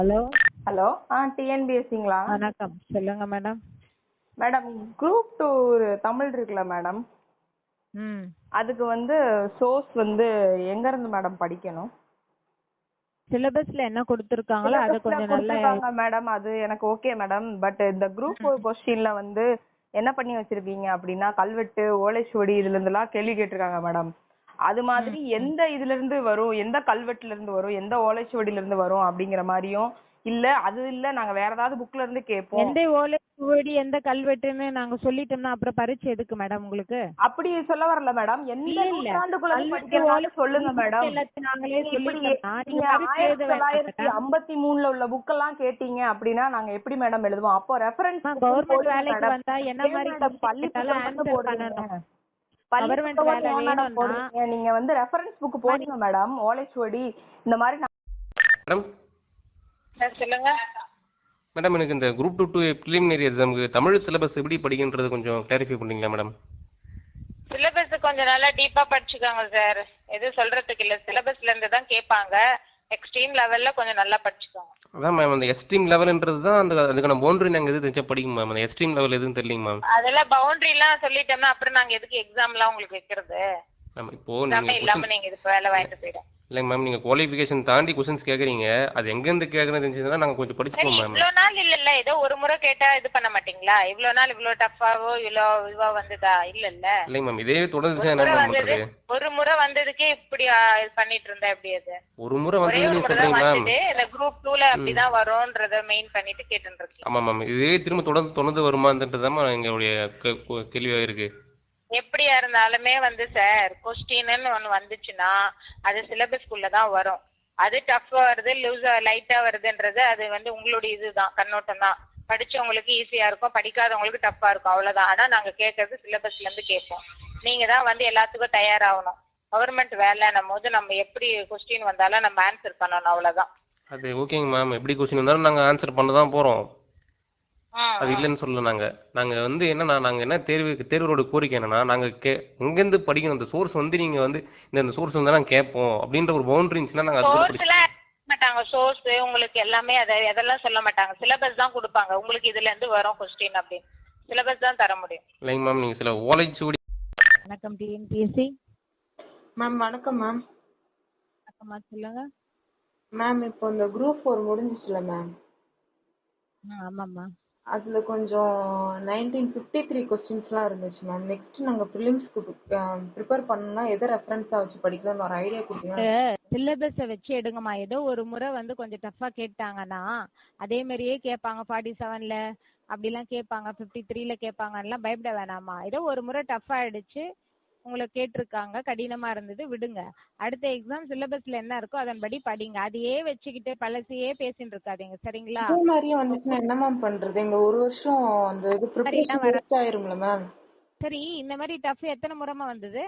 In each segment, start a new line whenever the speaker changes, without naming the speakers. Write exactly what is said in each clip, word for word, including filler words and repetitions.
Hello
hello ஆ டிஎன்பிஎஸ்சிங்களா?
வணக்கம், சொல்லுங்க madam.
Madam, group two Tamil இருக்குல்ல மேடம்,
ம்
அதுக்கு வந்து சோர்ஸ் வந்து எங்க இருந்து மேடம் படிக்கணும்?
சிலபஸ்ல என்ன கொடுத்துருக்காங்களோ அதை
சிலபஸ்ல
கொஞ்சம் நல்லா
கொடுத்துருக்காங்க மேடம், அது எனக்கு ஓகே மேடம். பட் இந்த குரூப்
ம்.
கொஸ்டின்ல வந்து என்ன பண்ணி வச்சிருக்கீங்க அப்படின்னா, கல்வெட்டு, ஓலைச்சுவடி இதுல இருந்தெல்லாம் கேள்வி கேட்டிருக்காங்க மேடம். அது
ம்,
மாதிரி
ம்.
எந்த இதுல இருந்து வரும், எந்த கல்வெட்டுல இருந்து வரும், எந்த ஓலைச்சுவடியில இருந்து வரும் அப்படிங்கிற மாதிரியும், இல்ல அது இல்ல நாங்க வேற ஏதாவது புக்ல இருந்து கேட்போம்.
எந்த ஓலை சுவடி எந்த கல்வெட்டுன்னு நாங்க சொல்லிட்டோம்னா அப்புறம் பரீட்சை எதுக்கு மேடம் உங்களுக்கு?
அப்படி சொல்ல வரல மேடம், எந்த
இல்ல இல்ல
நூற்றாண்டுக்குள்ள
கல்வெட்டு ஓலை
படிக்கிறனாலும் சொல்லுங்க மேடம்.
எல்லாத்தையும் நாங்களே
நீங்க இப்படி
சொல்லிட்டோம்னா நீங்க
நீங்க
பரீட்சை எழுத
ஆயிரத்தி
வேண்டாம்
தொள்ளாயிரத்தி
மேடம்.
ஐம்பத்தி மூணுல உள்ள புக்கெல்லாம் கேட்டீங்க அப்படின்னா நாங்க எப்படி மேடம் எழுதுவோம்? அப்போ ரெஃபரன்ஸ் புக்
கவர்மெண்ட்
போடுங்க
வேலைக்கு
மேடம்.
வந்தா என்ன
ஏன்
மாதிரி
மேடம்
கொஸ்டின்
பள்ளி
கேட்டாலும்
புத்தகம் மட்டும்
ஆன்சர்
போடுறீங்க?
பண்ணணும்.
பள்ளி
கவர்மெண்ட்
புத்தகம்
வேலை
ஏன் மேடம்
வேணும்னா
போடுறீங்க? நீங்க வந்து ரெஃபரன்ஸ் புக் போடுங்க மேடம். ஓலைச்சுவடி இந்த மாதிரி நான்
மேடம்
சார் சொல்லுங்க.
மேடம் எனக்கு இந்த குரூப் டூ டூ ப்ரிலிமினரி எக்ஸாமுக்கு தமிழ் சிலபஸ் எப்படி படிக்கின்றது கொஞ்சம் கிளாரிஃபை பண்ணீங்களா மேடம்?
சிலபஸ் கொஞ்சம் நல்லா டீப்பா படிச்சுக்கோங்க சார். எதுவும் சொல்றதுக்கு இல்ல, சிலபஸ்ல இருந்து தான் கேட்பாங்க. எக்ஸ்ட்ரீம் லெவல்ல கொஞ்சம் நல்லா படிச்சுக்கோங்க.
அதான் மேம், அந்த எக்ஸ்ட்ரீம் லெவல்ன்றது தான் அந்த அதுக்கான பவுண்டரி நாங்கள் எது தெரிஞ்சா படிக்கும் மேம். அந்த எக்ஸ்ட்ரீம் லெவல் எதுவும் தெரியலைங்க மேம்.
அதெல்லாம் பவுண்டரி எல்லாம் சொல்லிட்டோம்னா அப்புறம் நாங்க எதுக்கு எக்ஸாம் எல்லாம் உங்களுக்கு வைக்கிறது?
மேம் இப்போ
எல்லாமே
நீங்கள்
இல்லாம
கொஸ்டின்
நீங்க இது வேலை வாங்கிட்டு போயிடும்.
இல்லைங்க மேம், நீங்கள் குவாலிஃபிகேஷன் தாண்டி கொஸ்டின்ஸ் கேட்குறீங்க. அது எங்கேருந்து கேட்குறது தெரிஞ்சதுன்னா நாங்கள் கொஞ்சம்
சரி,
படிச்சுப்போம் மேம்.
இவ்வளவு நாள் இல்லல்ல, ஏதோ ஒரு முறை கேட்டா இது பண்ண மாட்டீங்களா? இவ்வளவு நாள் இவ்வளவு டஃபாவோ இவ்வளோ இதுவா வந்ததா? இல்லல்ல,
இல்லைங்க மேம், இதே
ஒரு
தொடர்ந்துச்சுன்னா என்ன
முறை
மேம்
வந்தது
பண்ணுறது?
ஒரு முறை வந்ததுக்கே இப்படி ஆ, இது பண்ணிட்டு இருந்தா எப்படி அது?
ஒரு முறை
ஒரே
வந்தது
ஒரு
நீங்கள்
முறை தான்
சொல்கிறீங்க மேம்.
வந்துட்டு இந்த குரூப் டூல அப்படிதான் வரும்ன்றத மெயின் பண்ணிட்டு கேட்டுட்டு இருக்கீங்க.
ஆமாம் மேம், இதே திரும்ப தொடர்ந்து தொடர்ந்து வருமான்றது தான் எங்களுடைய கேள்வியாக இருக்குது.
எப்படியா இருந்தாலுமே வந்து சார், கொஸ்டின்னு ஒண்ணு வந்துச்சுன்னா அது சிலபஸ்க்குள்ள தான் வரும். அது டஃப்பா வருது, லூஸா லைட்டா வருதுன்றது அது வந்து உங்களுடைய இதுதான், கண்ணோட்டம் தான். படிச்சவங்களுக்கு ஈஸியா இருக்கும், படிக்காதவங்களுக்கு டஃப்பா இருக்கும், அவ்வளவுதான். ஆனா நாங்க கேட்கறது சிலபஸ்ல இருந்து கேட்போம். நீங்க தான் வந்து எல்லாத்துக்கும் தயாராகணும். கவர்மெண்ட் வேலைன்னும் போது நம்ம எப்படி கொஸ்டின் வந்தாலும் நம்ம ஆன்சர் பண்ணணும், அவ்வளவுதான்.
அது ஓகேங்க மேம், எப்படி கொஸ்டின் வந்தாலும் நாங்கள் ஆன்சர் பண்ண தான் போகிறோம்.
ம்,
அது
ம்.
இல்லைன்னு சொல்லல. நாங்க நாங்க வந்து என்னன்னா, நாங்க என்ன தேர்வு தேர்வோட கோரிக்கை என்னன்னா, நாங்க கே எங்கேருந்து படிக்கணும், அந்த சோர்ஸ் வந்து நீங்க வந்து இந்த இந்த சோர்ஸ் வந்து நாங்க கேட்போம் அப்படின்ற ஒரு பவுண்டரி இருந்துச்சுன்னா நாங்க அது கூட
சோர்ஸ்
படிச்சு.
எல்லாம் சொல்ல மாட்டாங்க. சோர்ஸ் உங்களுக்கு எல்லாமே அதை எதெல்லாம் சொல்ல மாட்டாங்க. சிலபஸ் தான் கொடுப்பாங்க, உங்களுக்கு இதுல இருந்து வரும் கொஸ்டின் அப்படின்னு. சிலபஸ் தான் தர முடியும்.
இல்லைங்க மேம், நீங்க சில ஓலைச்சுவடி.
வணக்கம் டிஎன்பிஎஸ்சி.
மேம் வணக்கம் மேம்.
வணக்கம்மா, சொல்லுங்க.
மேம் இப்போ இந்த குரூப் ஃபோர் முடிஞ்சிச்சுல மேம்,
ஆ ஆமாம்மா.
அதில் கொஞ்சம் நைன்டீன் ஃபிஃப்டி த்ரீ கொஸ்டின்ஸ்லாம் இருந்துச்சு மேம். நெக்ஸ்ட் நாங்கள் ப்ரிலிம்ஸ்க்கு ப்ரிப்பேர் பண்ணணும்னா எதை ரெஃபரன்ஸாக வச்சு படிக்கலாம்னு ஒரு ஐடியா கொடுத்தீங்கன்னா.
சிலபஸை வச்சு எடுங்கம்மா. ஏதோ ஒரு முறை வந்து கொஞ்சம் டஃப்பா கேட்டாங்கன்னா அதே மாதிரியே கேட்பாங்க. ஃபார்ட்டி செவன்ல அப்படிலாம் கேட்பாங்க, ஃபிஃப்டி த்ரீல கேட்பாங்கலாம் பயப்பட வேணாமா. ஏதோ ஒரு முறை டஃப் ஆயிடுச்சு, உங்களை கேட்டிருக்காங்க, கடினமா இருந்தது, விடுங்க. அடுத்த எக்ஸாம் சிலபஸ்ல என்ன இருக்கோ அதன்படி படிங்க. அதையே வச்சுக்கிட்டு பழசையே பேசிட்டு இருக்காதீங்க, சரிங்களா?
இதே மாதிரியே வந்துச்சுன்னா என்ன மேம் பண்ணுறது? எங்கள் ஒரு வருஷம் அந்த இது ப்ரிப்பரேஷன்
வர
வேஸ்ட் ஆயிரும்ல மேம்.
சரி, இந்த மாதிரி டஃப் எத்தனை முறைமா வந்தது?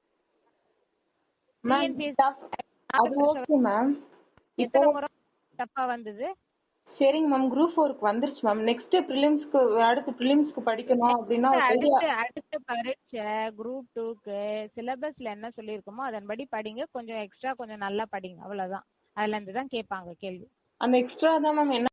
மேம்
TNPSC
tough- அது ஓகே மேம். இப்போ
எத்தனை முறை டஃப்பா வந்தது?
சரிங்க மேம், குரூப் ஃபோருக்கு வந்துருச்சு மேம். நெக்ஸ்ட் ப்ரிலிம்ஸ்க்கு அடுத்து ப்ரிலிம்ஸ்க்கு படிக்கணும் அப்படின்னா ஒரு ஐடியா.
அடுத்த அடுத்த பரீட்சை குரூப் டூக்கு சிலபஸ்ல என்ன சொல்லியிருக்கோமோ அதன்படி படிங்க. கொஞ்சம் எக்ஸ்ட்ரா கொஞ்சம் நல்லா படிங்க, அவ்வளவுதான். அதுல இருந்து தான் கேட்பாங்க கேள்வி.
அந்த எக்ஸ்ட்ரா தான் மேம் என்ன